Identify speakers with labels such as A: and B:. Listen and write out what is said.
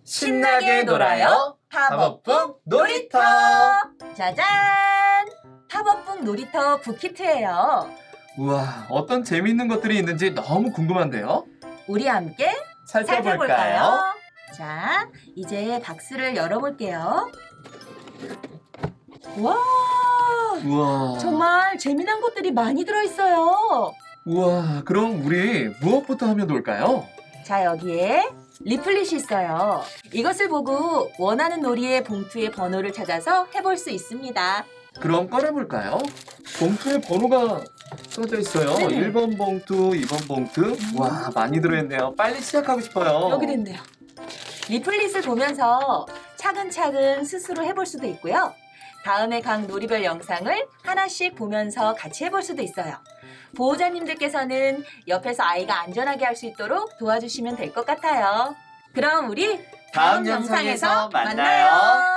A: 신나게 놀아요. 팝업북 놀이터.
B: 짜잔! 팝업북 놀이터 북키트예요.
A: 우와, 어떤 재미있는 것들이 있는지 너무 궁금한데요.
B: 우리 함께
A: 살펴볼까요?
B: 자, 이제 박스를 열어볼게요. 와,
A: 우와.
B: 정말 재미난 것들이 많이 들어있어요.
A: 우와, 그럼 우리 무엇부터 하면 좋을까요?
B: 자, 여기에 리플릿이 있어요. 이것을 보고 원하는 놀이의 봉투의 번호를 찾아서 해볼 수 있습니다.
A: 그럼 꺼내볼까요? 봉투에 번호가 써져 있어요.
B: 네.
A: 1번 봉투, 2번 봉투. 와, 많이 들어있네요. 빨리 시작하고 싶어요.
B: 여기 있네요. 리플릿을 보면서 차근차근 스스로 해볼 수도 있고요. 다음에 각 놀이별 영상을 하나씩 보면서 같이 해볼 수도 있어요. 보호자님들께서는 옆에서 아이가 안전하게 할 수 있도록 도와주시면 될 것 같아요. 그럼 우리
A: 다음 영상에서 만나요.